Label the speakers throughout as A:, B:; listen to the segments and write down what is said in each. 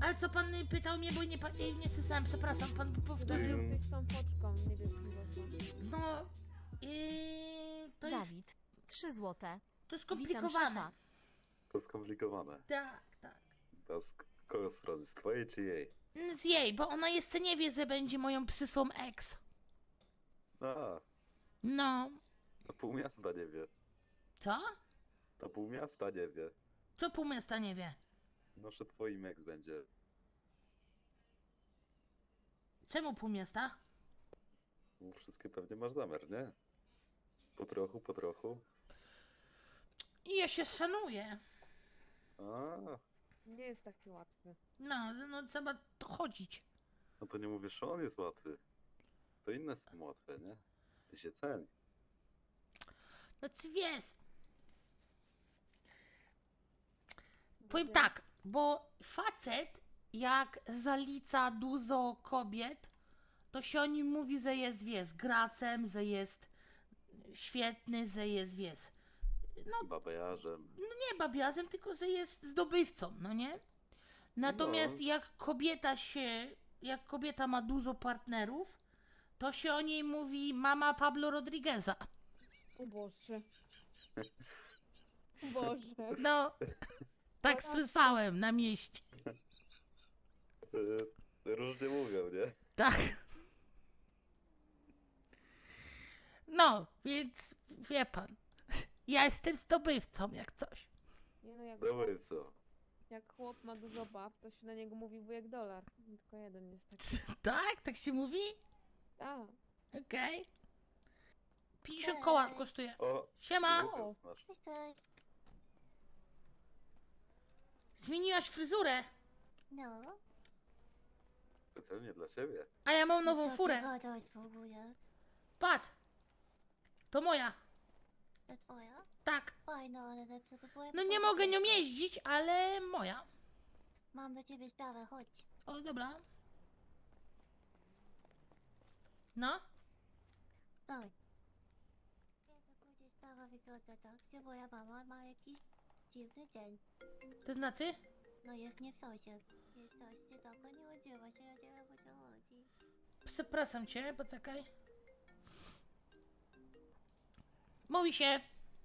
A: Ale co pan pytał mnie, bo nie słyszałem, przepraszam, pan
B: Chyba
A: powtórzył.
B: jesteś tą foczką niebieskim głosem.
A: No, to jest,
C: Dawid, 3 złote.
A: to jest
C: Witam
A: skomplikowane.
C: szefa.
D: To skomplikowane.
A: Tak, tak.
D: To z kogo strony? Z twojej czy jej?
A: Z jej, bo ona jeszcze nie wie, że będzie moją przysłą ex.
D: A,
A: No,
D: to pół miasta nie wie.
A: co?
D: To pół miasta nie wie.
A: Co pół miasta nie wie?
D: No, że twoim ex będzie.
A: Czemu pół miasta?
D: Bo wszystkie pewnie masz zamiar, nie? Po trochu, po trochu.
A: I ja się szanuję.
D: A,
B: Nie jest taki łatwy.
A: No trzeba to chodzić.
D: no to nie mówisz, że on jest łatwy. To inne są łatwe, nie? Ty się ceni.
A: No ty wiesz. Powiem tak, bo facet jak zalica dużo kobiet, to się o nim mówi, że jest, wiesz, gracem, że jest świetny, że jest, wiesz,
D: Babajarzem.
A: nie babiazem, tylko że jest zdobywcą, no nie? Natomiast
D: No.
A: jak kobieta ma dużo partnerów, to się o niej mówi mama Pablo Rodrigueza.
B: O Boże. O Boże.
A: No, tak słyszałem na mieście.
D: Różnie mówią, nie?
A: Tak. No, więc wie pan, ja jestem zdobywcą jak coś.
B: Nie no,
D: Dobry, co?
B: jak chłop ma dużo bab, to się na niego mówi wujek dolar. Tylko jeden jest taki.
A: Tak? Tak się mówi?
B: Tak.
A: Okej. 50 koła kosztuje.
D: O!
A: Siema!
D: Lukas nasz.
E: Cześć, cześć.
A: Zmieniłaś fryzurę,
E: No.
D: Specjalnie dla siebie.
A: a ja mam nową
E: Co
A: furę.
E: ty gadasz w ogóle?
A: Patrz! To moja.
E: To twoja?
A: Tak.
E: Fajna, ale lepsza by była.
A: No nie mogę nią jeździć, ale moja.
E: Mam do ciebie sprawę, chodź.
A: O, dobra. No?
E: Daj. Wiesz, to później sprawa wygląda tak, że moja mama ma jakiś dziwny dzień.
A: To znaczy?
E: No jest nie w sosie. Jest coś, gdzie tylko nie udziela się, ja nie wiem o co chodzi.
A: Przepraszam cię, poczekaj. Mówi się.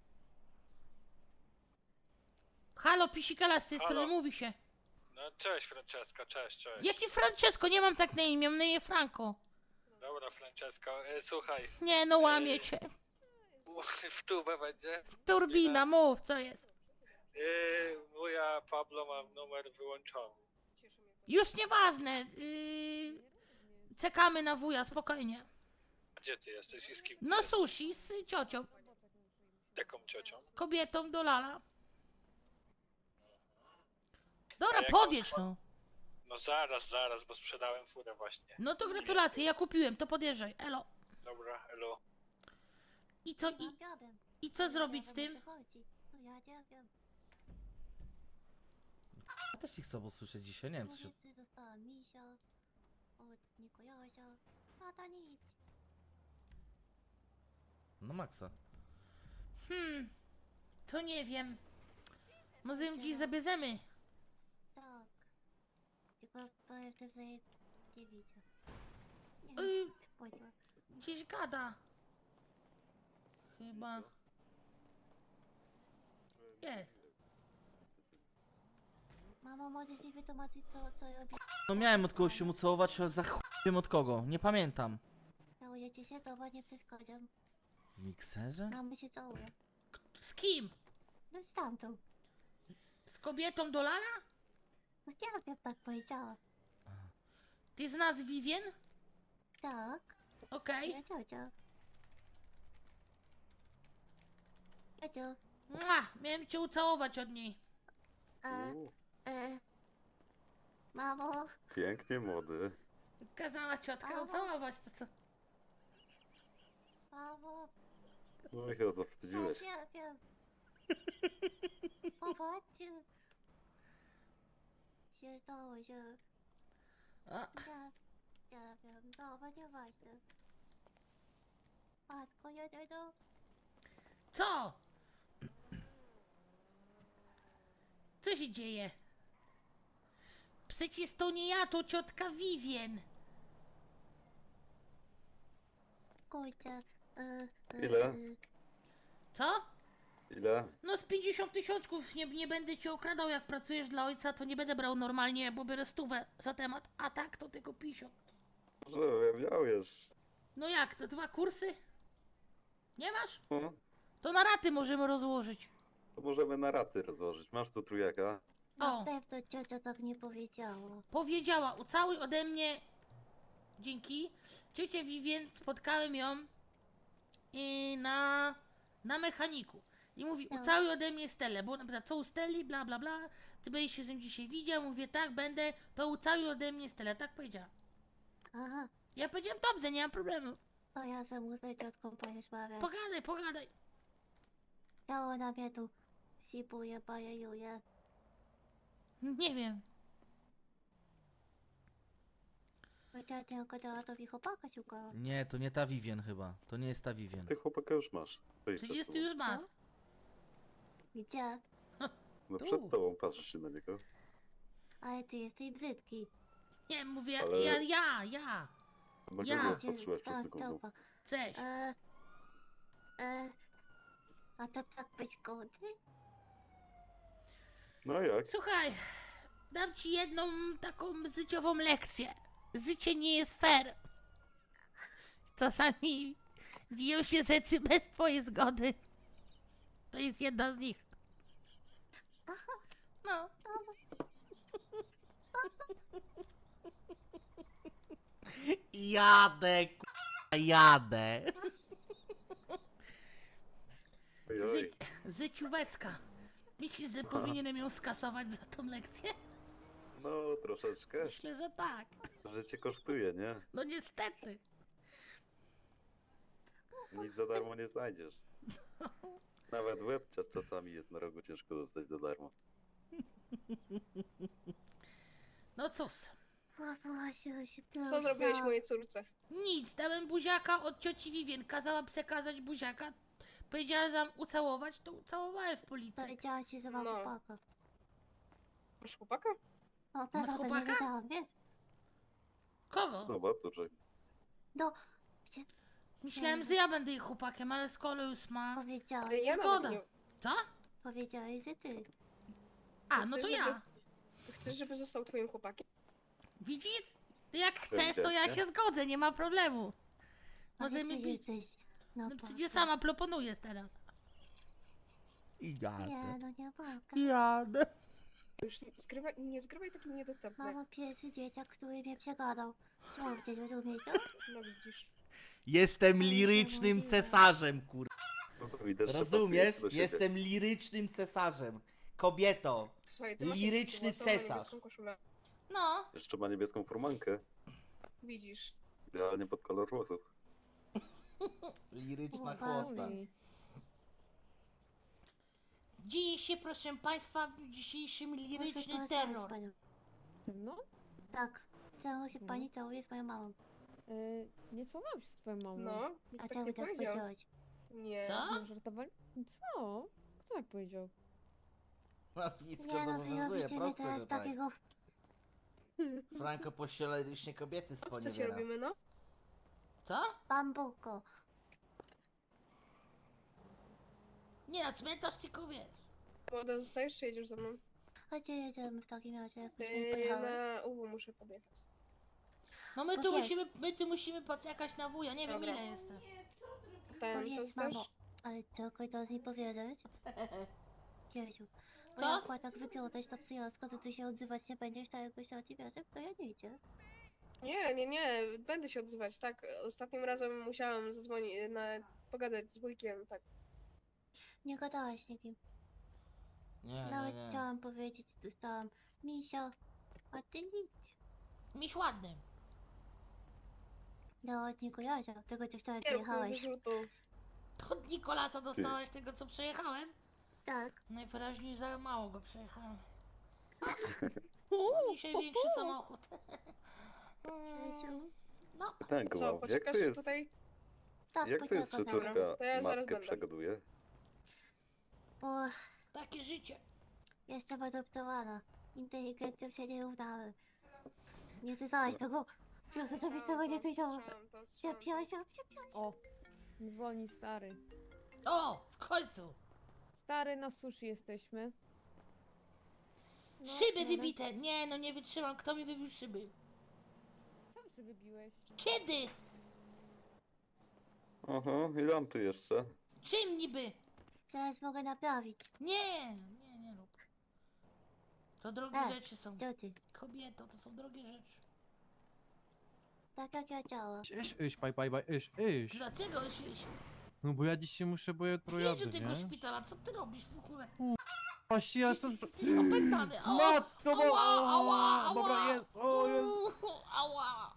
A: Halo, pisikala z tej
F: Halo.
A: strony, mówi się.
F: No cześć Francesco, cześć.
A: Jaki Francesco? Nie mam tak na imię, mam na imię Franco.
F: Dobra Francesco, słuchaj,
A: Nie, no łamie cię.
F: w tubę będzie.
A: Turbina, mów, co jest?
F: Wuja Pablo ma numer wyłączony.
A: Już nieważne. Czekamy na wuja, spokojnie.
F: A gdzie ty jesteś i z kim? ty
A: No
F: jesteś?
A: sushi z ciocią,
F: Taką ciocią.
A: kobietą do lala. Dobra,
F: A jak
A: podjedź
F: on-
A: no.
F: No zaraz, bo sprzedałem furę właśnie.
A: No to gratulacje, ja kupiłem, to podjeżdżaj, elo.
F: Dobra, elo.
A: I co,
E: Nie mam problem.
A: i co
E: Ja
A: zrobić
E: nie
A: z
E: wiem, o
A: tym?
E: co chodzi. No ja nie wiem.
G: Ja też ich chcę usłyszeć dzisiaj, nie wiem co się...
E: Powiedz, że została misia od Nikolasia. A to nic.
G: No maksa.
A: To nie wiem. Może ją dziś zabierzemy.
E: Tak. Tylko powiem w tym, że jej nie widzę. Nie
A: Ej.
E: wiem, co powiedziała.
A: Gdzieś gada. Chyba. Jest.
E: Mamo, możesz mi wytłumaczyć, co robi?
G: No miałem od kogoś się mu całować, ale za chuj wiem od kogo. Nie pamiętam.
E: Całujecie się, to nie przeszkodzam.
G: W mikserze?
E: Mamy się całuje.
A: Z kim?
E: No z tamtą.
A: Z kobietą do lala?
E: No ja wiem, tak powiedziała.
A: Ty znasz Vivien?
E: Tak.
A: Okej.
E: Ja ciocia. Ciocio.
A: Miałem cię ucałować od niej.
D: Uuu,
E: Mamo.
D: pięknie młody.
A: Kazała ciotka ucałować, to co?
E: Mamo.
D: No i chyba zawstydziłeś.
E: Ja wiem. Popatrzcie. Się stało się.
A: A,
E: Ja wiem. Dobra, nieważne. Matko, jedę.
A: co? Co się dzieje? przecież to nie ja, to ciotka Vivien.
E: Kurczę.
D: Ile?
A: Co?
D: Ile?
A: No z 50 tysiączków, nie będę cię okradał, jak pracujesz dla ojca, to nie będę brał normalnie, bo biorę 100 za temat, a tak to tylko 50.
D: Może ja miał już.
A: No jak, te 2 kursy? Nie masz?
D: No,
A: To na raty możemy rozłożyć.
D: to możemy na raty rozłożyć. Masz tu trójaka?
E: Na
A: O.
E: pewno ciocia tak nie powiedziała.
A: Powiedziała, ucałuj ode mnie, dzięki, ciocię Vivien, spotkałem ją na mechaniku. I mówi,
E: No.
A: ucałuj ode mnie Stelę, bo ona pyta, co u Steli, bla bla bla, ty będziesz się z nim dzisiaj widział, mówię, tak, będę, to ucałuj ode mnie Stelę, tak powiedziała.
E: Aha,
A: Ja powiedziałem, dobrze, nie ma problemu,
E: to ja se muszę z ciotką porozmawiać.
A: pogadaj.
E: To ona mnie tu sipuje, bajejuje.
A: Nie wiem,
E: Bo ciocia gadała, to mi chłopaka szukała.
G: Nie, to nie ta Vivien chyba. To nie jest ta Vivien.
D: Ty chłopaka już masz. To idź
A: przecież
D: przed
A: ty już
D: tobą.
A: masz.
E: Gdzie?
D: No
A: tu.
D: przed tobą patrzysz się na niego.
E: Ale ty jesteś brzydki.
A: Nie, mówię,
D: Ale-
A: ja,
D: Na
A: Ja.
D: kogo
E: Cię-
D: patrzyłaś przed
E: tak,
D: sekundą?
E: dobra.
A: chcesz.
E: A to tak być godny?
D: No jak?
A: Słuchaj, dam ci jedną taką życiową lekcję. Życie nie jest fair. Czasami dzieją się rzeczy bez twojej zgody. To jest jedna z nich. No.
G: Jadę, jadę.
D: Oj, oj.
A: Życióweczka. Myślisz, że powinienem ją skasować za tą lekcję?
D: No troszeczkę.
A: Myślę, że tak.
D: Że cię kosztuje, nie?
A: No niestety.
D: Nic za darmo nie znajdziesz. Nawet łeb czasami jest na rogu ciężko dostać za darmo.
A: No cóż.
E: Właśnie się to
B: Co zrobiłeś mojej córce?
A: Nic, dałem buziaka od cioci Vivien. Kazała przekazać buziaka. Powiedziała, że mam ucałować, to ucałowałem w policji.
E: Powiedziała ci, że mam
B: No.
E: chłopaka.
B: Masz chłopaka?
E: No teraz o tym nie
A: chłopaka?
E: wiedziałam, wiesz?
A: Kogo?
D: Zobacz, to że
E: No, gdzie
A: Myślałem, że ja będę jej chłopakiem, ale skoro już ma...
E: powiedziałeś,
B: Ale ja
A: Zgoda.
B: nawet nie...
A: Co?
E: powiedziałeś, że ty.
A: A, no to
B: Chcesz,
A: ja.
B: Chcesz, żeby został twoim chłopakiem?
A: Widzisz? Ty jak chcesz, to ja
D: Ewidentnie.
A: się zgodzę, nie ma problemu.
E: Ale
A: Możemy
E: ty
A: być.
E: jesteś. No,
A: No przecież sama proponujesz teraz.
G: Jadę.
E: Nie, no nie mogę.
G: Jadę.
B: Już nie zgrywaj takim niedostępnym.
E: Mamo, pierwszy dzieciak, który mnie przegadał. Słownie, rozumiesz to?
B: No widzisz.
G: Jestem
E: Ale
G: lirycznym
E: niemożliwe.
G: cesarzem, kur...
D: no to widać, że
G: Rozumiesz?
D: pasujesz do siebie.
G: Jestem lirycznym cesarzem. Kobieto.
B: Słuchaj, ty masz
G: Liryczny
B: jakąś włosową,
G: cesarz.
B: niebieską koszulę.
A: No,
D: Jeszcze ma niebieską furmankę.
B: Widzisz.
D: Idealnie pod kolor włosów.
G: Liryczna
E: Chłopaki.
G: chłosta.
A: dzieje się, proszę państwa, w dzisiejszym
E: Muszę
A: liryczny
E: porozmawiać z
A: terror.
E: panią.
B: No?
E: Tak. Czemu się
B: No.
E: pani całuje z moją mamą?
B: Nie słowałam się z twoją mamą. No,
E: A
B: nikt tak
E: czemu
B: nie
E: tak
B: powiedział.
E: powiedziałaś?
B: Nie.
A: Co?
B: Nie żartowali? Co? Kto tak powiedział?
G: Nazwisko
E: Nie no, wy
G: zobowiązuje,
E: robicie mnie
G: proste,
E: teraz
G: że tak.
E: takiego...
G: Franko pościela lirycznie kobiety z
B: Co ci
G: poniewiera.
B: robimy, no?
A: Co?
E: Bambuko.
A: Nie, na cmentarz tylko wiesz.
B: Woda zostajesz, czy jedziesz ze mną?
E: Chodźcie, jedziemy w takim razie, jakbyśmy pojechały.
B: Na UW muszę podjechać.
A: No my
E: No
A: tu
E: jest.
A: musimy poczekać na wuja, nie wiem
B: Dobra.
A: ile jestem.
B: Ten, to
E: Powiedz,
B: zostasz?
E: mamo. Ale co, kończąc mi powiedzieć? Kiesiu. Bo
A: Co?
E: jak ma tak wyglądać ta przyjazdka, to ty się odzywać nie będziesz, tak jakoś na ciebie, to ja nie idzie.
B: Nie, będę się odzywać, tak. Ostatnim razem musiałam zadzwonić, pogadać z wujkiem, tak.
E: Nie gadałaś z nikim.
G: Nie,
E: Nawet
G: nie, nie.
E: chciałam powiedzieć, dostałam misio, a ty nic.
A: Miś ładny.
E: No, od Nikolasa, tego co wczoraj
B: Nie rób mi
E: przyjechałeś.
B: wyrzutów.
A: To od Nikolasa dostałeś tego, co przejechałem?
E: Tak.
A: Najwyraźniej za mało go przejechałem. Mam dzisiaj większy samochód. No,
D: Pytanko
B: Co,
D: mam, jak
B: poczekasz
D: to jest,
B: tutaj?
E: Tak,
D: jak to jest, że
E: poczekam.
B: Dobra,
D: córka
B: to ja zaraz
D: matkę
B: będę.
D: przegaduje?
E: Bo
A: takie życie.
E: jestem adoptowana. inteligencją się nie równa. Nie słyszałeś tego? Proszę, żebyś tego nie słyszała. Przepraszam.
C: O, zwolnij stary.
A: O, w końcu!
C: Stary, na sushi jesteśmy. No,
A: Szyby
C: mamy-
A: wybite! Nie, no nie wytrzymam, kto mi wybił szyby?
C: Sam sobie wybiłeś.
A: Kiedy?
D: Aha, ile mam tu jeszcze?
A: Czym niby?
E: Zaraz mogę naprawić.
A: Nie rób. To drogie rzeczy są.
E: Co ty?
A: Kobieto, to są drogie rzeczy.
E: Tak jak ja chciałam.
G: Iść.
A: Dlaczego iść?
G: No bo ja dziś się muszę, bo jutro
A: Idź
G: jadę,
A: do tego
G: nie?
A: szpitala, co ty robisz w ogóle?
G: Właśnie ja jestem...
A: Jesteś opętany!
G: Matko, bo...
A: Ała!
G: Dobra, jest, o, jest.
A: Ała!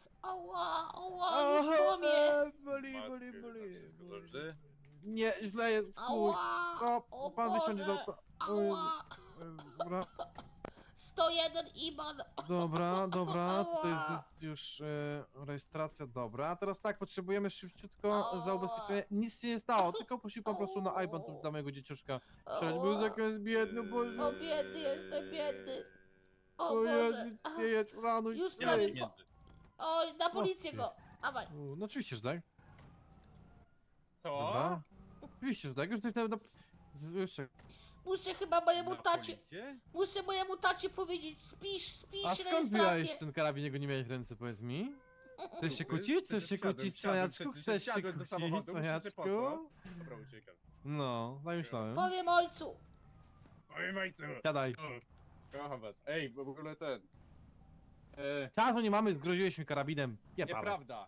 A: Już po mnie!
G: Boli.
F: Wszystko dobrze?
G: Nie, źle jest, chuj.
A: Ała!
G: O, pan wysiądzie do auta. O Jezu.
A: Ała!
G: Dobra,
A: 101 IBAN!
G: dobra, to jest
A: Ała!
G: już rejestracja, dobra. A teraz tak, potrzebujemy szybciutko
A: Ała!
G: za ubezpieczenie. Nic się nie stało, tylko prosił pan po prostu na IBAN tu dla mojego dzieciuszka. Przecież był
A: Ała!
G: zakaz biedny, Boże.
A: O, biedny jestem, biedny! O
G: O
A: Boże!
G: Jezu, nie jedź, ranuj.
A: Już
F: Nie ma
A: prawie
F: pieniędzy.
A: Oj, na policję
G: ty.
A: go! Dawaj!
G: No oczywiście, że tak.
F: Co?
G: Dobra. Oczywiście, że tak. Już coś jeszcze.
A: Muszę chyba mojemu
F: Na
A: tacie...
F: policję?
A: Muszę mojemu tacie powiedzieć, spisz
G: A skąd
A: rejestrację.
G: wyjąłeś ten karabin, jego nie miałeś w ręce, powiedz mi? Chcesz się kłócić? Chcesz się kłócić, cwaniaczku? Chcesz się kłócić, cwaniaczku?
F: Dobra, uciekam.
G: No, zamyślałem.
A: Powiem ojcu.
F: Oj, majcu!
G: Siadaj.
F: Kocham was. Ej, bo w ogóle ten...
G: Czasu nie mamy, zgroziłeś mi karabinem.
F: nieprawda.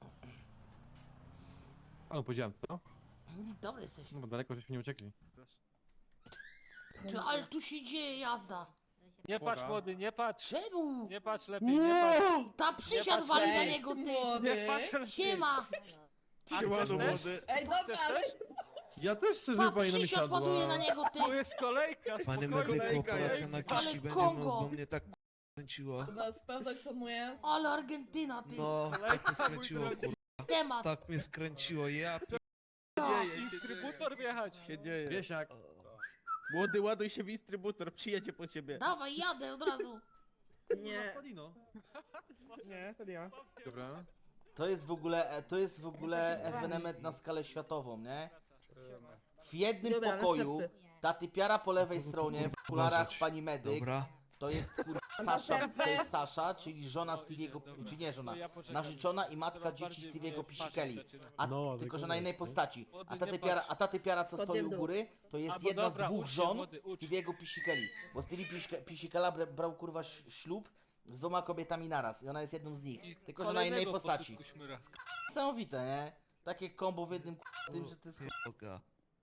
G: Panu powiedziałem, co?
A: Dobry jesteś.
G: No bo daleko żeśmy nie uciekli.
A: Ty, ale tu się dzieje jazda.
H: Nie patrz
G: Boga.
H: młody, nie patrz!
A: Czemu?
H: Nie patrz lepiej, nie patrz!
A: Ta przysiad
H: patrz,
A: wali na
B: cześć,
A: niego, ty.
H: Nie patrz lepiej!
A: Siema.
H: A chcesz też?
B: Ej, dobra,
H: Chcesz
B: ale...
H: też?
G: Ja też chcę,
A: Pa,
G: żeby pani na mnie
A: przysiad
G: siadła.
A: ładuje na niego, ty.
H: Tu jest kolejka,
I: Panie
H: spokojnie!
I: medyku, operacja na
A: Ale
I: kiszki będzie,
A: Kongo.
I: bo mnie tak kręciło.
B: Chyba sprawdzać co mu jest.
A: Ale Argentyna, ty.
I: No, tak mnie skręciło, kur...
A: Temat.
I: Tak mnie skręciło, ja...
H: Instrybutor wjechać!
J: się dzieje?
G: Wiesiak.
J: Młody, ładuj się w instrybutor, przyjedzie po ciebie.
A: Dawaj, jadę od razu.
B: Nie.
J: Nie, to nie ja.
G: Dobra.
K: To jest w ogóle ewenement na skalę światową, nie? W jednym
B: Dobra,
K: pokoju
B: następny.
K: ta typiara po lewej
I: Kogo tu
K: stronie, w okularach
I: uważać?
K: pani medyk,
I: Dobra.
K: to jest kurwa Sasza, to jest Sasza, czyli żona Stevie'ego, czy nie żona, narzeczona i matka dzieci Stevie'ego Pisikeli. A
G: No,
K: tylko, że na innej postaci.
H: Młody,
K: A ta
H: nie
K: typiara,
H: patrz.
K: a ta typiara co stoi u
B: Podjem
K: góry, to jest
H: Albo
K: jedna z
H: dobra,
K: dwóch
H: ucz się,
K: żon
H: młody, ucz.
K: Stevie'ego Pisikeli. Bo Stevie Pisikela brał kurwa ślub z dwoma kobietami naraz i ona jest jedną z nich. Tylko, że na innej
H: Kolejnego
K: postaci.
H: posłuchu szmyra.
K: Niesamowite, nie? Takie kombo w jednym tym, że to jest...
I: Boga.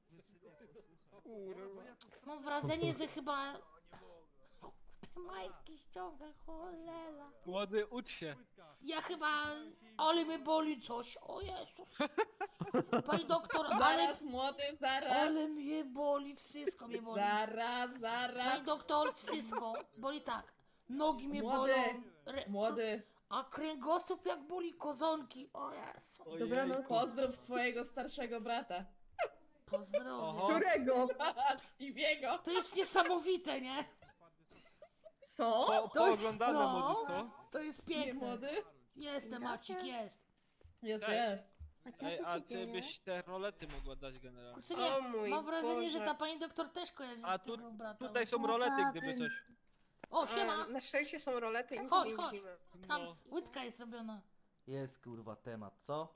A: Mam wrażenie, że chyba... Majtki ściąga, cholera.
H: Młody, ucz się!
A: Ja chyba... Ale mnie boli coś, o Jezus. Pani doktor, ale...
B: Zaraz, młody, zaraz.
A: Ale mnie boli, wszystko mnie boli.
B: Zaraz.
A: Pani doktor, wszystko. Boli tak. Nogi mnie
B: Młody,
A: bolą.
B: Młody.
A: A kręgosłup jak boli kozonki. O Jezu.
B: Dobranoc. Pozdrów swojego starszego brata.
A: Pozdrowie.
B: Którego? Stevie'ego.
A: To jest niesamowite, nie?
B: Co?
H: Pooglądane
A: no,
H: młody, co?
A: to jest
B: Nie,
A: piękne.
B: młody?
A: Jestem, Macik, jest.
B: Jest,
H: Tak.
B: jest.
E: A co
H: Ej,
E: tu
H: a
E: się
H: ty
E: dzieje?
H: byś te rolety mogła dać generalnie.
A: Kurczę,
B: O
A: nie,
B: mój
A: mam wrażenie, że
B: Boże.
A: ta pani doktor też kojarzy
H: A
A: tego brata.
H: Tutaj są rolety, gdyby coś.
A: O, siema.
B: Na szczęście są rolety i nic
A: Chodź,
B: nie
A: chodź.
B: widzimy.
A: Tam
H: No.
A: łydka jest robiona.
K: Jest kurwa temat, co?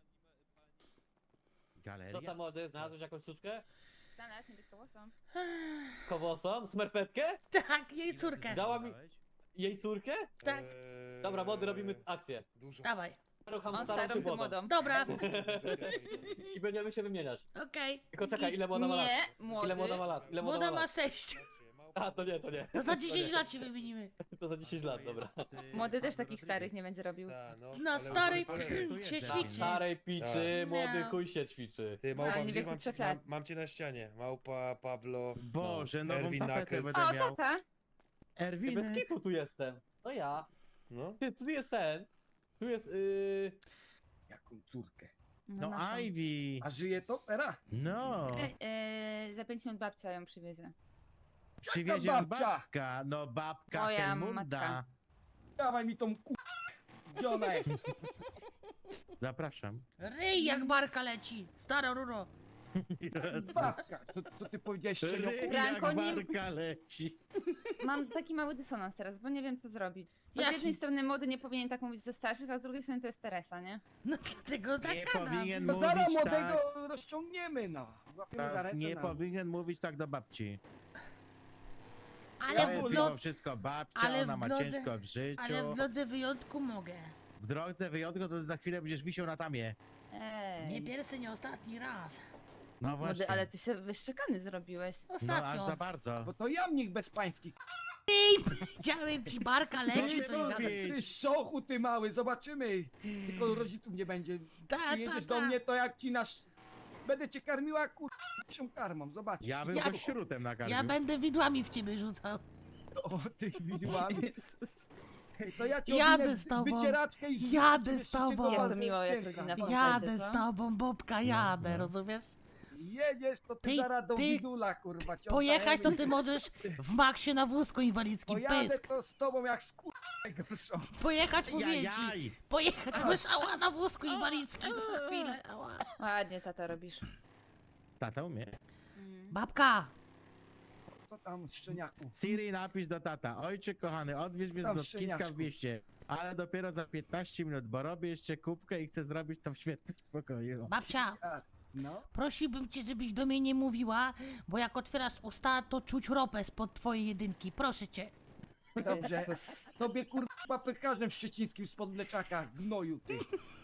J: Galeria?
I: tam młody, znalazłeś jakąś suczkę?
C: Znalazł niebieskowłosą.
I: Kowosą? Smerfetkę?
A: Tak, jej córkę.
I: Dała mi jej córkę?
A: Tak,
I: Dobra, młody, robimy akcję.
A: dawaj.
I: Rucham starą czy młodą.
A: Dobra,
I: I będziemy się wymieniać.
A: okej.
I: Tylko czekaj, ile młoda ma lat? Ile młoda ma lat? Ile
A: Młoda ma
I: lat?
A: 6.
I: A, to nie.
A: To za 10 lat się wymienimy.
I: To za 10 lat, dobra.
C: Młody też takich starych nie będzie robił.
A: Na starej się
I: Na
A: ćwiczy.
I: starej piczy, młody
A: No.
I: chuj się ćwiczy.
J: Ty,
C: Ale
J: małpa,
C: nie
J: gdzie
C: wieku
J: mam,
C: 3 lat.
J: mam cię na ścianie. Małpa, Pablo,
G: Boże, nową
J: Erwin
G: tapetę
J: Nakes.
G: będę miał.
C: tata!
I: Ty bez
G: Erwin.
I: kitu tu jestem. To ja.
J: No.
I: Ty, tu jest ten. Tu jest,
J: Jaką córkę?
G: No
C: naszą.
G: Ivy.
J: A żyje to teraz?
G: No.
C: Za 5 minut babcia ją przywiezie.
J: Przywiezie
I: babka?
J: No babka
C: Moja
J: Helmunda.
C: matka.
I: Dawaj mi tą Gdzie ona jest?
J: Zapraszam.
A: Ryj jak barka leci. Stara ruro.
I: Babka! Co ty powiedziałeś, szczenioku?
J: Ryj jak
C: Blanko, nie-
J: barka leci.
C: Mam taki mały dysonans teraz, bo nie wiem co zrobić. Bo z
A: Jaki?
C: jednej strony młody nie powinien tak mówić do starszych, a z drugiej strony to jest Teresa, nie?
A: No dlatego tak
J: Nie
A: gadam.
J: powinien
I: No zaraz
J: mówić tak.
I: młodego rozciągniemy, no. Łapiemy za ręce,
J: Nie
I: no.
J: powinien mówić tak do babci. To
A: Ale
J: jest
A: w,
J: mimo
A: no,
J: wszystko babcia,
A: ale
J: ona
A: w
J: ma
A: drodze-
J: ciężko w życiu.
A: ale w drodze wyjątku mogę.
J: W drodze wyjątku to za chwilę będziesz wisiał na tamie.
A: Nie pierwszy, nie ostatni raz.
J: No
C: Młody,
J: właśnie.
C: ale ty się wyszczekany zrobiłeś.
J: No aż
A: Ostatnio.
J: za bardzo.
I: Bo to jamnik bezpański.
A: Chciałem ci barka
J: Co
A: leci,
J: ty
A: co nie gadam.
J: mówisz?
I: Ty szochu, ty mały, zobaczymy. Tylko rodziców nie będzie. Przyjedziesz do mnie, to jak ci nasz... Będę cię karmiła, się karmą, zobaczysz.
J: Ja bym
A: Ja-
J: go śrutem nakarmił.
A: Ja będę widłami w ciebie rzucał.
I: O, tych widłami.
C: Jezus.
I: To ja ci
A: Jadę
I: owinę
A: z tobą.
I: wycieraczkę i
A: Jadę
I: ciebie
A: z tobą.
I: szybciej do
C: Jak to
I: walki
C: miło, jak
I: piękna.
C: rodzina
A: Jadę
C: co?
A: z tobą, Bobka, jadę, rozumiesz?
I: Jedziesz, to ty,
A: Ty-
I: zaraz do
A: ty-
I: widula, kurwa. cię
A: Pojechać to
I: oddajemy.
A: ty możesz w maksie na wózku inwalidzkim,
I: Pojadę
A: pysk.
I: to z tobą jak z najgorszą.
A: Pojechać mówię ci.
J: Jaj.
A: Pojechać musiała na wózku inwalidzkim za chwilę. Ała.
C: Ładnie tata robisz.
J: Tata umie.
A: Babka,
I: Co tam, szczeniaku?
J: Siri, napisz do tata. Ojcze kochany, odwiedź mnie z
I: Tam
J: lotniska w
I: szczeniaczku.
J: mieście. Ale dopiero za 15 minut, bo robię jeszcze kubkę i chcę zrobić to w świetnym spokoju.
A: babcia,
I: No,
A: prosiłbym cię, żebyś do mnie nie mówiła, bo jak otwierasz usta, to czuć ropę spod twojej jedynki. Proszę cię.
I: dobrze.
C: Jezus.
I: Tobie kurwa pekarzem w szczecińskim spod mleczaka, gnoju ty.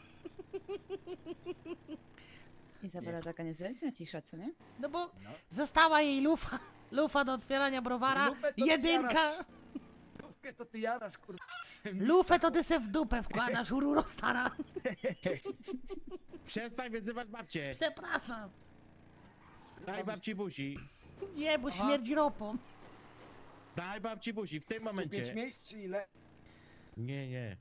C: Izabela taka niezależna cisza, co nie?
A: No bo
I: No.
A: została jej lufa. Lufa do otwierania browara.
I: Lufę to
A: Jedynka.
I: jarasz. Lufkę to ty jarasz, kurwa.
A: Lufę to ty se w dupę wkładasz, ururo stara.
J: Przestań wyzywać babcię.
A: Przepraszam.
J: Daj babci buzi.
A: Nie, bo
C: Aha.
A: śmierdzi ropą.
J: Daj babci buzi w tym
I: 5
J: momencie.
I: miejsc czy ile?
J: Nie.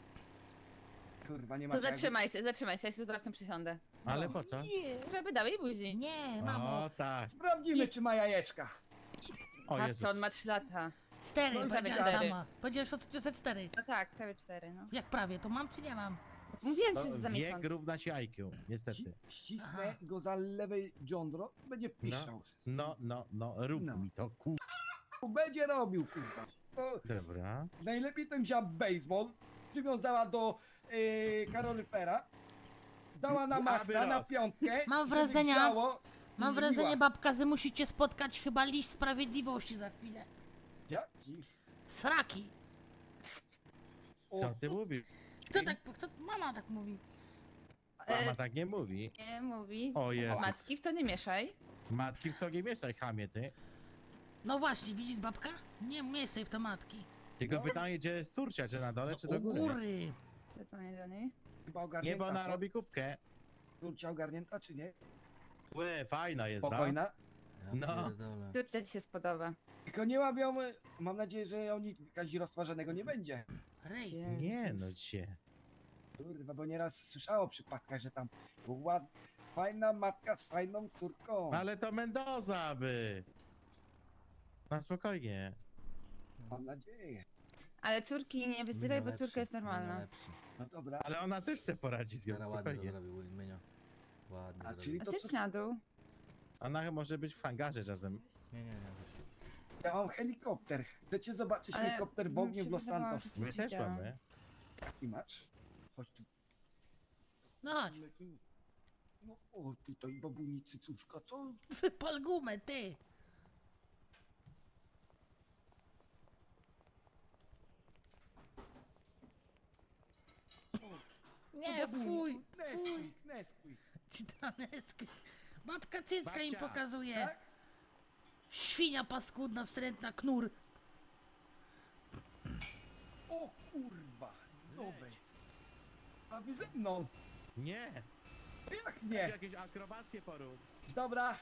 I: Kurwa, nie ma
C: To
I: co jak-
C: zatrzymaj się, ja się z babcią przysiądę.
J: Ale po co?
A: Nie.
C: Żeby dał jej buzi.
A: Nie, mamo.
J: O tak.
I: Sprawdzimy, czy ma jajeczka.
J: O
C: Patrz,
J: Jezus.
C: co on ma 3 lata.
A: 4,
I: No i
A: powiedziała
C: cztery.
A: sama. Powiedziałeś, że to jest 4.
C: No tak, prawie 4, no.
A: Jak prawie, to mam czy nie mam?
C: Mówiłem
J: No,
C: ci, że za
J: wiek
C: miesiąc.
J: równa się IQ, niestety.
I: Ścisnę
A: Aha.
I: go za lewe jądro, będzie piszczał.
J: Rób
I: No.
J: mi to, ku...
I: Będzie robił, kurwa. To
J: Dobra.
I: najlepiej ten wziął baseball, przywiązała do kaloryfera, dała na
J: Aby
I: maksa, na
J: raz.
I: piątkę.
A: Mam
I: żeby
A: wrażenia-
I: grzało i
A: Mam
I: zrobiła.
A: wrażenie, babka, że musicie spotkać chyba liść sprawiedliwości za chwilę.
I: Jaki?
A: Sraki.
J: Co ty mówisz?
A: Mama tak mówi.
J: Mama tak nie mówi.
C: Nie mówi.
J: O Jezus.
C: Matki w to nie mieszaj.
J: Matki w to nie mieszaj, chamie ty.
A: No właśnie, widzisz babka? Nie mieszaj w to matki.
J: Tylko pytanie, gdzie jest córcia, czy na dole, czy
A: U
J: do góry?
A: góry.
C: Zadzwonię do niej.
I: Chyba
J: Nie,
I: ogarnięta,
J: bo ona
I: co?
J: robi kubkę.
I: Córcia ogarnięta, czy nie?
J: Łe, fajna jest,
I: Spokojna.
J: No.
C: Córce ci się spodoba.
I: Tylko nie łabią, mam nadzieję, że oni kazirostwa żadnego nie będzie.
A: Rej.
J: Nie, no cię.
I: Kurwa, bo nieraz słyszało o przypadkach, że tam fajna matka z fajną córką.
J: Ale to Mendoza by. Na spokojnie.
I: Mam nadzieję.
C: Ale córki nie wyzywaj, bo córka jest normalna.
I: No dobra,
J: Ale ona też se poradzi z nią, spokojnie.
I: a czyli
C: A
I: to
C: zjedź
I: co?
C: na dół.
J: Ona może być w hangarze czasem.
I: Ja mam helikopter. Chcecie zobaczyć
C: Ale
I: helikopter w
C: mi
I: ogniu
C: się
I: w Los
C: wydawało,
I: Santos?
C: że-
J: My też
C: Widziałam.
J: mamy.
I: Jaki masz? Chodź tu.
A: No chodź,
I: No o, tutaj babuni cycuszka, co?
A: wypal gumę, ty. Nie, fuj, fuj.
I: Nesquik.
A: Citaneski. Babka cycka im
J: Babcia.
A: pokazuje.
I: Tak?
A: Świnia paskudna, wstrętna, knur.
I: O kurwa, dobre. A wy ze mną?
J: Nie.
I: Jak nie?
J: Jakieś akrobacje porób.
I: Dobra.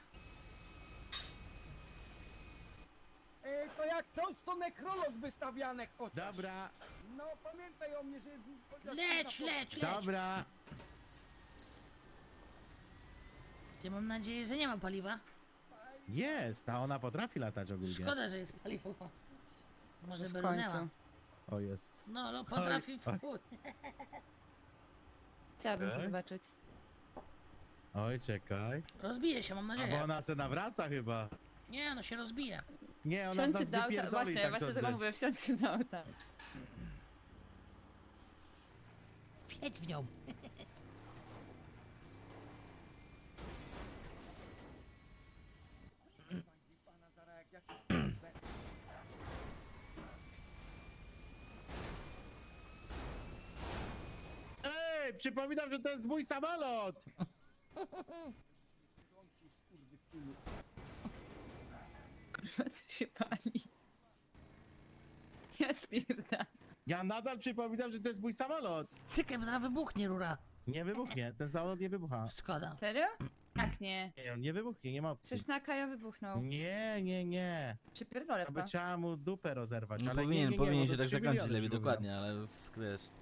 I: To jak coś, to nekrolog wystawianek chociaż.
J: Dobra,
I: No pamiętaj o mnie, że... chociaż
A: Leć,
I: kurwa,
A: leć, leć.
J: dobra.
A: Ja mam nadzieję, że nie ma paliwa.
J: Jest, a ona potrafi latać ogólnie.
A: Szkoda, że jest paliwo. Może
C: W
A: by
C: końcu.
A: runęła.
J: O Jezus.
A: No, potrafi w
J: Oj,
A: chuj.
C: Chciałabym to
J: Okej.
C: zobaczyć.
J: Oj, czekaj.
A: Rozbije się, mam
J: A bo
A: nadzieję.
J: ona se nawraca chyba.
A: Nie, no się rozbije.
J: Nie, ona
C: Wsiądźcie
J: nas
C: do auta,
J: wypierdoli,
C: właśnie,
J: tak
C: właśnie
J: sądzę.
C: tego mówię, wsiądźcie do auta.
A: Wjedź w nią.
I: Pana zaraz jak ja się strzelę.
J: Ej, przypominam, że to jest mój samolot!
I: Skurwysynu.
C: Kurwa, co się pali. Ja spierdam.
J: Ja nadal przypominam, że to jest mój samolot!
A: Cykiem, zaraz wybuchnie rura.
J: Nie wybuchnie, ten samolot nie wybucha.
A: Szkoda.
C: Serio? Tak nie.
J: Nie, on nie wybuchnie, nie ma opcji.
C: Przecież na Kajo wybuchnął.
J: Nie.
C: Przypierdolę
J: To
C: w
J: by
C: to.
J: trzeba mu dupę rozerwać,
L: No
J: ale
L: powinien,
J: nie,
L: powinien
J: bo
L: się
J: to
L: tak
J: 3
L: zakończyć,
J: miliony
L: Lewi,
J: się mówią.
L: dokładnie, ale wiesz.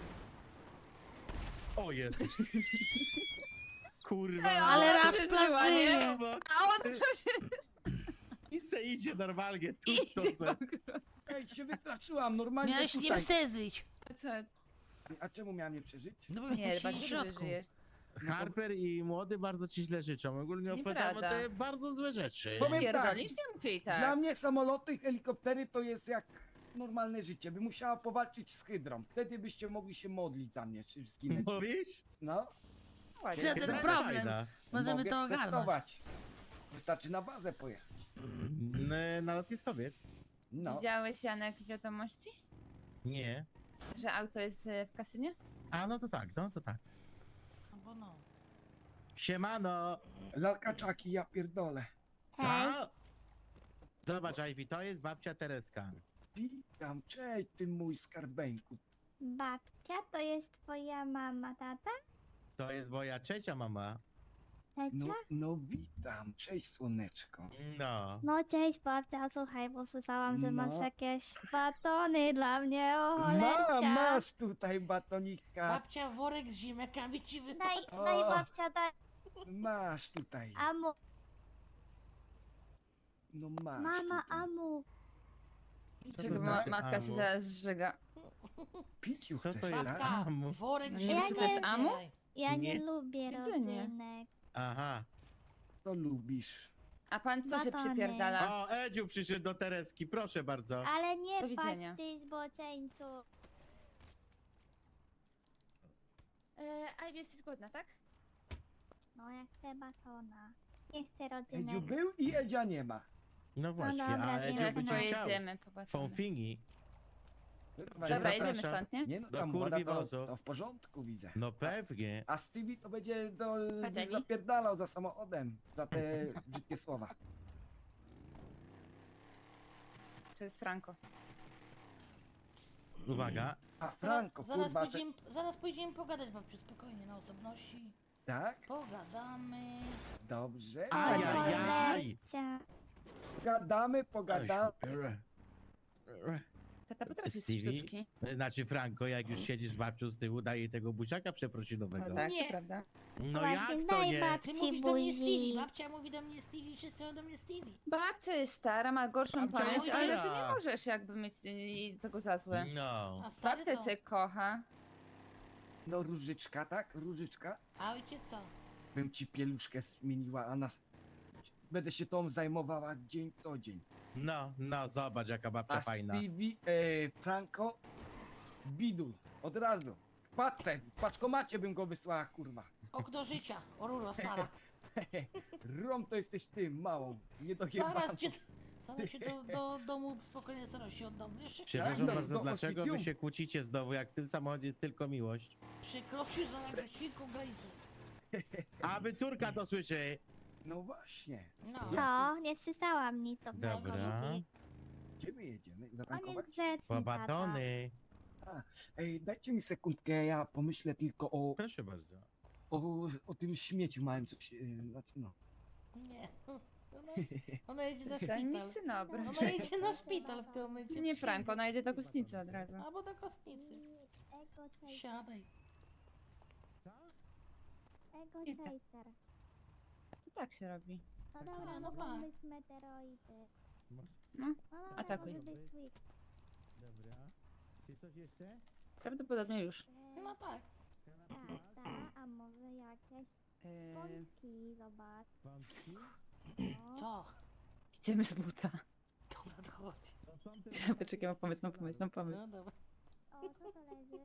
J: O Jezus. Kurwa.
A: Ale raz
C: przeżyła, nie?
A: plażynie.
J: Bo
C: A on to się
J: I se idzie normalnie, tu to
C: idzie
J: se.
C: w ogóle.
I: Ej, się wystraszyłam, normalnie
A: Miałeś nie
I: tutaj.
A: przeżyć.
C: A co?
I: A czemu miałem nie przeżyć?
A: No bo
C: Nie,
A: miałeś
C: chyba
A: w
C: ty
A: środku.
C: żyjesz.
J: Harper i młody bardzo ci źle życzą. Ogólnie opowiadamy
C: Nieprawda.
J: te bardzo złe rzeczy.
I: Powiem tak,
C: Pierdolisz? Nie mówię i
I: dla
C: tak.
I: mnie samoloty i helikoptery to jest jak normalne życie. By musiała powalczyć z hydrą. Wtedy byście mogli się modlić za mnie, czy zginąć.
J: Mówisz?
I: No,
C: Ładnie.
A: Żaden
J: Hydra
A: problem.
J: fajna.
A: Możemy
I: mogę
A: to ogarnąć.
I: stestować. Wystarczy na bazę pojechać.
J: Na lotniskowiec?
I: No,
C: Widziałeś, Janek, wiadomości?
J: Nie.
C: Że auto jest w kasynie?
J: A no to tak, no to tak.
A: No bo no.
J: Siemano!
I: lalkaczaki, ja pierdolę.
J: Co? Zobacz, Ivy, to jest babcia Tereska.
I: Witam, cześć ty mój skarbeńku.
E: Babcia to jest twoja mama, tata?
J: To jest moja trzecia mama.
E: Tecia?
I: No witam, cześć słoneczko.
J: No.
E: No cześć babcia, słuchaj, bo słyszałam, że masz
I: No.
E: jakieś batony dla mnie, o cholercia.
I: Masz tutaj batonika.
A: Babcia worek z ziemniakami ci wypadł.
E: Daj babcia, daj.
I: Masz tutaj.
E: Amu,
I: No masz
E: mama,
I: tutaj.
E: amu.
J: Co
C: Czego
J: to znaczy
C: matka się
J: amu?
C: zaraz zżyga.
I: Piciu
J: Co
I: chcesz,
J: to jest?
I: tak?
A: Babka,
J: Amu.
A: worek z
C: No
E: nie
A: ziemniakami.
E: wiem, co to
C: jest amu?
A: zbieraj.
E: Ja nie,
J: Nie.
E: lubię
C: Jedzenie.
E: rodzynek.
J: Aha.
I: To lubisz.
C: A pan co się
E: Batony.
C: przypierdala?
J: O, Edziu przyszedł do Tereski, proszę bardzo.
E: Ale
C: Do
E: nie
C: widzenia.
E: patrz ty zboczeńcu.
C: A jesteś głodna, tak?
E: No ja chcę batona. Nie chcę
I: Edziu
E: rodzynek.
I: był i Edzia nie ma.
J: No właśnie,
E: dobra,
J: a
E: wiem.
J: Edziu
C: Teraz
J: by cię chciał.
C: pojedziemy po batony.
J: Fąfingi.
C: Dobra,
J: Zapraszam.
C: jedziemy stąd, nie?
I: Nie no,
J: Do
I: tam
J: kurwi
I: woda to,
J: wozu.
I: to w porządku widzę.
J: No pewnie.
I: A Stevie to będzie
C: Chodź, Ewi.
I: zapierdalał za samochodem, za te brzydkie słowa.
C: To jest Franco.
J: Uwaga.
I: A Franco,
A: zaraz,
I: kurwa,
A: zaraz pójdziemy pogadać, babciu, spokojnie, na osobności.
I: tak?
A: Pogadamy.
I: Dobrze.
J: Ajajaj.
E: Babcia.
I: Pogadamy.
C: Tata potrafi
J: Stevie?
C: sztuczki.
J: Znaczy Franco, jak już siedzisz z babcią z tyłu, daje tego buziaka przeprosinowego.
C: No tak,
A: Nie.
C: to prawda.
J: No
E: Właśnie,
J: jak to
E: daj
J: nie?
E: babci.
A: Ty mówisz do mnie
E: buzi.
A: Stevie, babcia mówi do mnie Stevie, wszyscy mówią do mnie Stevie.
C: Babcia jest stara, ma gorszą
J: Babcia
C: pamięć,
J: jest
C: ale
J: stara.
C: ty nie możesz jakby mieć jej tego za złe.
J: No.
A: A stary
C: Babcia
A: co?
C: cię kocha.
I: No różyczka, tak? Różyczka.
A: A ojciec co?
I: Bym ci pieluszkę zmieniła, a nas... Będę się tą zajmowała dzień co dzień.
J: No, zobacz jaka babcia
I: A
J: fajna.
I: Stevie, Franco, bidul, od razu. W paczce, w paczkomacie bym go wysłała, kurwa.
A: Okno życia, o ruro stara.
I: Rom to jesteś ty, małą, nie
A: Zaraz cię do domu spokojnie starości oddam. Jeszcze
J: Przepraszam
I: Tak,
J: bardzo,
I: do
J: dlaczego wy
I: hospicjum.
J: się kłócicie znowu, jak w tym samochodzie jest tylko miłość?
A: przekroczysz za świnką granicę.
J: Aby córka to słyszy.
I: No właśnie.
A: No.
E: Co? Nie słyszałam nic o
J: Dobra.
E: telewizji.
I: Gdzie my jedziemy?
E: On
I: Zatankować?
E: jest grzeczny,
J: Po
E: tata.
J: batony.
I: Ej, dajcie mi sekundkę, ja pomyślę tylko
J: Proszę bardzo.
I: o tym śmieciu małym, coś, znaczy no.
A: Nie. Ona jedzie na
C: Daj mi
A: szpital.
C: syna obrać.
A: Ona jedzie na szpital w tym momencie.
C: Nie Franco, ona jedzie do kostnicy od razu.
A: Albo do kostnicy.
E: Ego chaser.
A: Siadaj.
E: Ego
C: Nie tak.
E: chaser.
C: To tak się robi.
E: No
J: taki...
E: dobra,
A: no
E: mogą
A: tak.
E: być meteoroidy.
C: No,
E: No dobra,
C: atakuj.
E: może być Switch.
J: Dobra. Czy coś jeszcze?
C: Prawdopodobnie już.
A: No tak.
E: Tak, a może jakieś pączki, zobacz.
J: Wątki?
E: No.
A: Co?
C: Idziemy z buta.
A: Dobra, to chodź.
J: To są te...
C: Poczekaj, mam pomysł.
A: No dobra.
E: O, co to leży?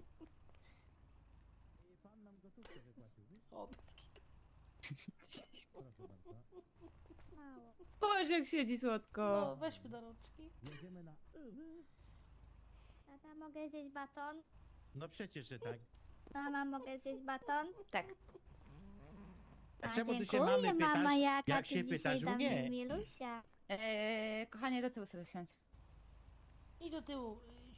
J: Pan nam gotówkę wypłacił, wiesz?
A: O, bez kitu.
J: Proszę bardzo.
E: Mało.
C: Boże, jak siedzi słodko.
A: No, weźmy do rączki.
J: Jedziemy na...
E: Tata, mogę zjeść baton?
J: No przecież, że tak.
E: Mama, mogę zjeść baton?
C: Tak.
J: A czemu ty się
E: dziękuję,
J: mamy pytasz?
E: mama, jaka
J: Jak
E: ty
J: się
E: dzisiaj
J: pytasz
E: dla
J: mnie?
E: Milusia.
C: Kochanie, do tyłu sobie siądź.
A: I do tyłu.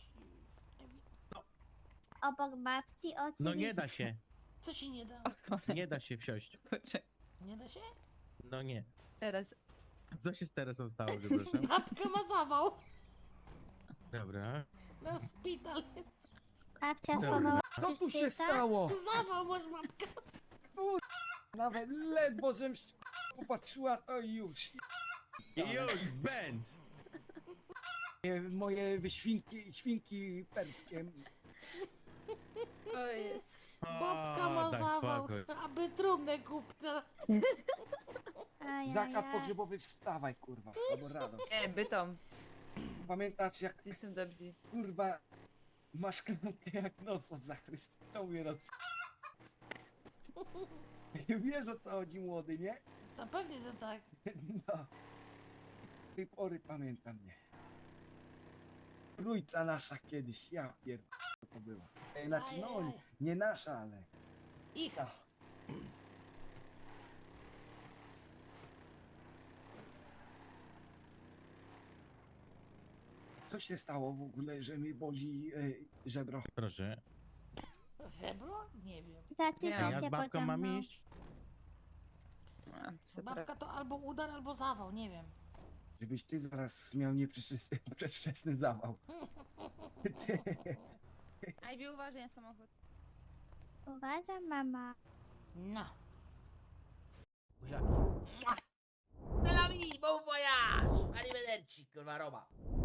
E: Obok babci oczywiście.
J: No nie da się.
A: Co się nie da?
J: Nie da się wsiąść.
C: Poczekaj.
A: Nie da się?
J: No nie.
C: Teraz.
J: Co się z Teresą stało, przepraszam?
A: Babka ma zawał.
J: Dobra.
A: Na szpital.
E: Babcia
J: Dobra.
E: schowała
I: Co tu się
E: krzyżyka?
I: stało?
A: Zawał masz babka.
I: Nawet ledwo żem popatrzyła, to już.
J: I już, Benz!
I: Moje świnki perskie.
C: O jest.
A: Babka ma
J: daj
A: zawał.
J: spokój.
A: Aby trumnę kupna.
I: Zakład pogrzebowy, wstawaj, kurwa, albo rado.
C: Bytom.
I: Pamiętasz, jak,
C: Jestem dobrzy.
I: kurwa, masz klamkę jak nos od zachrystii, to mnie roz... Wiesz, o co chodzi, młody, nie?
A: To pewnie, że tak.
I: No. Z tej pory pamiętam mnie. Trójca nasza kiedyś, ja pierdolę, co to była. Znaczy, no,
A: Ajaj.
I: nie nasza, ale...
A: Ich.
I: No. Co się stało w ogóle, że mi boli żebro?
J: Proszę.
A: Żebro? Nie wiem.
E: Taty,
C: Ja
J: A ja
E: cię
J: z babką
E: pociągnął.
J: mam iść?
C: A, super.
A: Babka to albo udar, albo zawał, nie wiem.
I: Żebyś ty zaraz miał przedwczesny zawał.
C: Ivy, uważaj na samochód.
E: Uważam, mama.
A: No. Buziaki. Tel Aviv, bon voyage! Arrivederci, kurwa Roma.